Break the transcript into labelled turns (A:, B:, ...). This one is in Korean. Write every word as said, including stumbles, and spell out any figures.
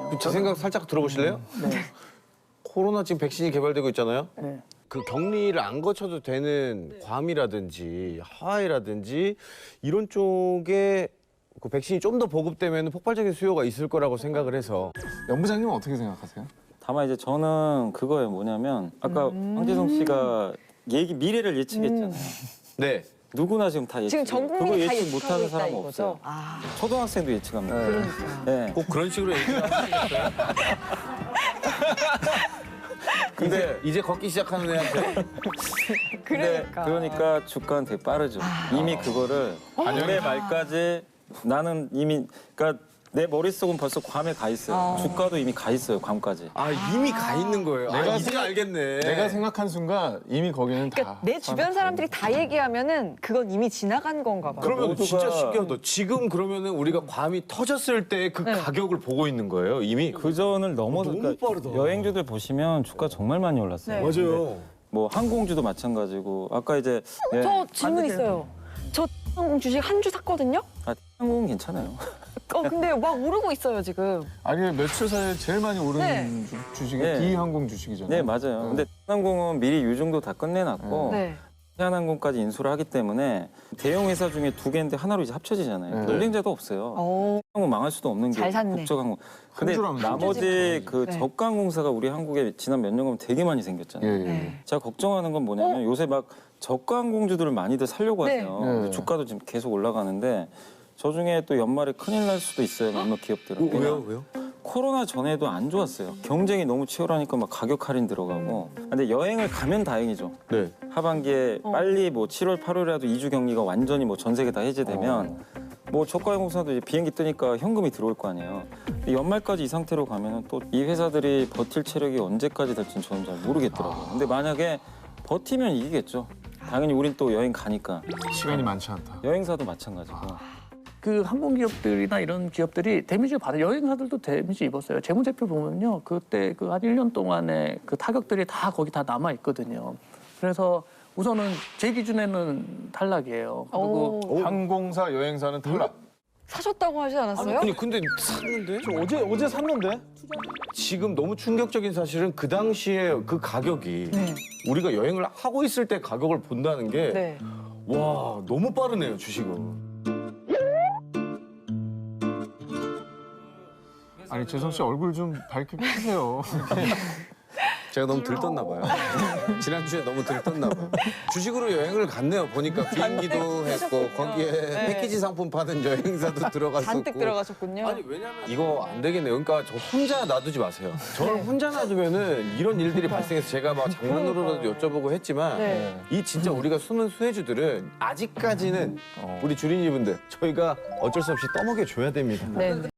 A: 그 제 생각 살짝 들어보실래요?
B: 네.
A: 코로나 지금 백신이 개발되고 있잖아요.
B: 네.
A: 그 격리를 안 거쳐도 되는 괌이라든지 하와이라든지 이런 쪽에 그 백신이 좀 더 보급되면 폭발적인 수요가 있을 거라고 생각을 해서.
C: 연부장님은 어떻게 생각하세요?
D: 다만 이제 저는 그거예요. 뭐냐면 아까
E: 음.
D: 황재성 씨가 얘기 미래를 예측했잖아요.
A: 네.
D: 누구나 지금 다 예측.
E: 지금 전
D: 그거
E: 국민이 다
D: 예측
E: 예측하고
D: 못하는
E: 있다
D: 사람은
E: 이거죠?
D: 없어요.
E: 아,
D: 초등학생도 예측합니다.
E: 그러니까.
D: 네.
A: 꼭 그런 식으로 얘기하시겠어요? 근데 이제 걷기 시작하는 애한테
D: 근데
E: 그러니까.
D: 그러니까 주가는 되게 빠르죠. 이미 그거를 올해 말까지 나는 이미 그러니까 내 머릿속은 벌써 괌에 가 있어요.
E: 아.
D: 주가도 이미 가 있어요. 괌까지.
A: 아 이미 가 있는 거예요.
C: 내가
A: 아, 이제
C: 생각-
A: 알겠네.
C: 내가 생각한 순간 이미 거기는
E: 그러니까
C: 다.
E: 내 주변 사람들이 다 얘기하면은 그건 이미 지나간 건가 봐요.
A: 그러면
D: 모두가-
A: 진짜 신기하다. 지금 그러면은 우리가 괌이 터졌을 때 그
E: 네.
A: 가격을 보고 있는 거예요, 이미?
D: 그 전을 넘어서
A: 너무
D: 그러니까
A: 빠르다.
D: 여행주들 보시면 주가 정말 많이 올랐어요.
E: 네.
A: 맞아요.
D: 뭐 항공주도 마찬가지고 아까 이제 예,
E: 저 질문
D: 반대로-
E: 있어요. 저 항공 주식 한 주 샀거든요?
D: 아, 항공은 괜찮아요.
E: 어, 근데 막 오르고 있어요, 지금.
C: 아니 며칠 사이에 제일 많이 오른
E: 네.
C: 주- 주식이
D: 네.
C: D항공 주식이잖아요.
D: 네 맞아요. 근데 항공은 미리 유종도 다 끝내놨고
E: 네.
D: 해안항공까지 인수를 하기 때문에 대형 회사 중에 두 개인데 하나로 이제 합쳐지잖아요.
C: 네.
D: 경쟁자도 없어요.
E: 어,
D: 항공 망할 수도 없는 게
E: 잘 샀네.
D: 국적항공. 근데
C: 줄 알았네.
D: 나머지 그
E: 네.
D: 저가항공사가 우리 한국에 지난 몇 년간 되게 많이
C: 예,
D: 생겼잖아요.
C: 예.
E: 네.
D: 제가 걱정하는 건 뭐냐면 요새 막 저가항공주들을 많이들 살려고
E: 네.
D: 하세요.
C: 네.
D: 근데 주가도 지금 계속 올라가는데 저 중에 또 연말에 큰일 날 수도 있어요. 몇몇 기업들은.
A: 왜요? 왜요?
D: 코로나 전에도 안 좋았어요. 경쟁이 너무 치열하니까 막 가격 할인 들어가고. 근데 여행을 가면 다행이죠.
A: 네.
D: 하반기에
E: 어.
D: 빨리 뭐 칠월, 팔월이라도 이 주 격리가 완전히 뭐 전 세계 다 해제되면 뭐 저가항공사도 이제 비행기 뜨니까 현금이 들어올 거 아니에요. 근데 연말까지 이 상태로 가면은 또 이 회사들이 버틸 체력이 언제까지 될지는 저는 잘 모르겠더라고요. 근데 만약에 버티면 이기겠죠. 당연히 우린 또 여행 가니까.
C: 시간이 많지 않다.
D: 여행사도 마찬가지고.
B: 그 항공기업들이나 이런 기업들이 데미지를 받아 여행사들도 데미지 입었어요. 재무제표 보면요. 그때 그 한 일 년 동안에 그 타격들이 다 거기 다 남아 있거든요. 그래서 우선은 제 기준에는 탈락이에요. 그리고
E: 오.
C: 항공사, 여행사는 탈락.
E: 사셨다고 하지 않았어요?
A: 아니 근데 샀는데?
F: 어제 어제 샀는데?
A: 지금 너무 충격적인 사실은 그 당시에 그 가격이
E: 네.
A: 우리가 여행을 하고 있을 때 가격을 본다는 게
E: 네.
A: 와, 너무 빠르네요, 주식은.
C: 아니 재성 씨 얼굴 좀 밝게 펴세요.
A: 제가 너무 들떴나 봐요. 지난주에 너무 들떴나 봐요. 주식으로 여행을 갔네요. 보니까 비행기도 했고 거기에
E: 네.
A: 패키지 상품 파는 여행사도 들어갔었고.
E: 잔뜩 들어가셨군요.
A: 아니 왜냐면 이거 안 되겠네요. 그러니까 저 혼자 놔두지 마세요. 저를 혼자 놔두면은 이런 일들이 발생해서 제가 막 장난으로라도 여쭤보고 했지만
E: 네.
A: 이 진짜 우리가 숨은 수혜주들은 아직까지는 우리 주린이분들 저희가 어쩔 수 없이 떠먹여 줘야 됩니다.
E: 네.